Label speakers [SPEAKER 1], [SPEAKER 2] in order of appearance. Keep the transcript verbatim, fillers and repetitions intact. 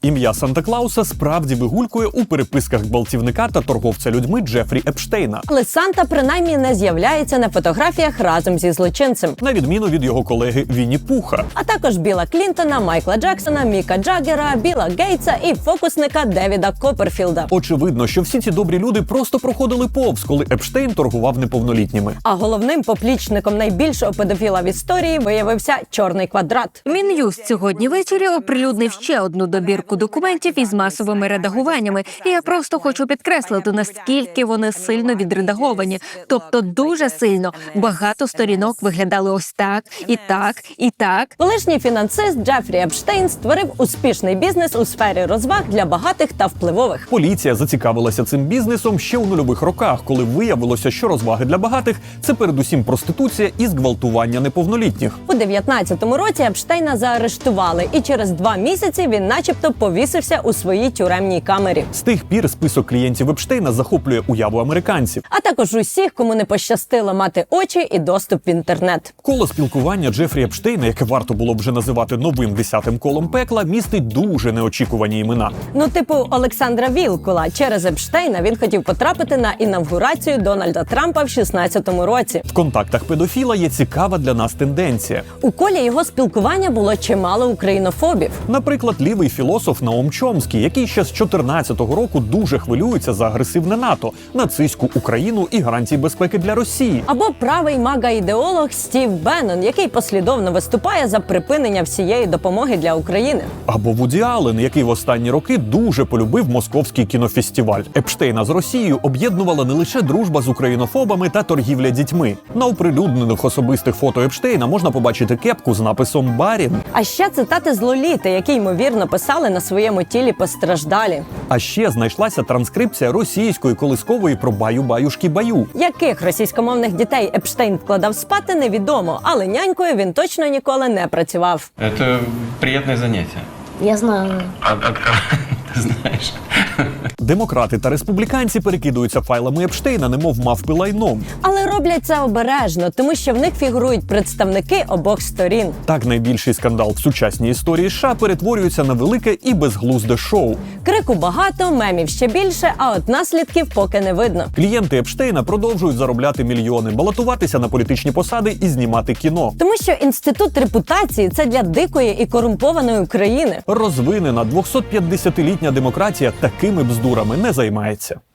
[SPEAKER 1] Ім'я Санта-Клауса справді вигулькує у переписках гвалтівника та торговця людьми Джефрі Епштейна.
[SPEAKER 2] Але Санта принаймні не з'являється на фотографіях разом зі злочинцем.
[SPEAKER 1] На відміну від його колеги Вінні Пуха.
[SPEAKER 2] А також Біла Клінтона, Майкла Джексона, Міка Джаггера, Біла Гейтса і фокусника Девіда Копперфілда.
[SPEAKER 1] Очевидно, що всі ці добрі люди просто проходили повз, коли Епштейн торгував неповнолітніми.
[SPEAKER 2] А головним поплічником найбільшого педофіла в історії виявився Чорний квадрат.
[SPEAKER 3] Мін'юст сьогодні ввечері оприлюднив ще одну добірку документів із масовими редагуваннями. І я просто хочу підкреслити, наскільки вони сильно відредаговані. Тобто дуже сильно. Багато сторінок виглядали ось так, і так, і так.
[SPEAKER 2] Колишній фінансист Джефрі Епштейн створив успішний бізнес у сфері розваг для багатих та впливових.
[SPEAKER 1] Поліція зацікавилася цим бізнесом ще у нульових роках, коли виявилося, що розваги для багатих – це передусім проституція і зґвалтування неповнолітніх.
[SPEAKER 2] У дев'ятнадцятому році Епштейна заарештували, і через два місяці він начебто повісився у своїй тюремній камері.
[SPEAKER 1] З тих пір список клієнтів Епштейна захоплює уяву американців.
[SPEAKER 2] А також усіх, кому не пощастило мати очі і доступ в інтернет.
[SPEAKER 1] Коло спілкування Джефрі Епштейна, яке варто було б вже називати новим десятим колом пекла, містить дуже неочікувані імена.
[SPEAKER 2] Ну, типу Олександра Вілкула. Через Епштейна він хотів потрапити на інавгурацію Дональда Трампа в шістнадцятому році.
[SPEAKER 1] В контактах педофіла є цікава для нас тенденція.
[SPEAKER 2] У колі його спілкування було чимало українофобів.
[SPEAKER 1] Наприклад, лівий філософ Наум Чомскі, який ще з чотирнадцятого року дуже хвилюється за агресивне НАТО, нацистську Україну і гарантії безпеки для Росії.
[SPEAKER 2] Або правий мага-ідеолог Стів Беннон, який послідовно виступає за припинення всієї допомоги для України.
[SPEAKER 1] Або Вуді Аллен, який в останні роки дуже полюбив московський кінофестиваль. Епштейна з Росією об'єднувала не лише дружба з українофобами та торгівля дітьми. На оприлюднених особистих фото Епштейна можна побачити кепку з написом «Барін».
[SPEAKER 2] А ще цитати з Лоліти, які, ймовірно, писали на своєму тілі постраждалі.
[SPEAKER 1] А ще знайшлася транскрипція російської колискової про «баю-баюшки-баю».
[SPEAKER 2] Яких російськомовних дітей Епштейн вкладав спати, невідомо, але нянькою він точно ніколи не працював.
[SPEAKER 4] Это приятное занятие.
[SPEAKER 5] Я знаю.
[SPEAKER 4] От, от кого ты знаешь?
[SPEAKER 1] Демократи та республіканці перекидуються файлами Епштейна, немов мавпи лайном.
[SPEAKER 2] Але роблять це обережно, тому що в них фігурують представники обох сторін.
[SPEAKER 1] Так найбільший скандал в сучасній історії США перетворюється на велике і безглузде шоу.
[SPEAKER 2] Крику багато, мемів ще більше, а от наслідків поки не видно.
[SPEAKER 1] Клієнти Епштейна продовжують заробляти мільйони, балотуватися на політичні посади і знімати кіно.
[SPEAKER 2] Тому що інститут репутації – це для дикої і корумпованої України.
[SPEAKER 1] Розвинена двохсотп'ятдесятилітня демократія такими бздурами не займається.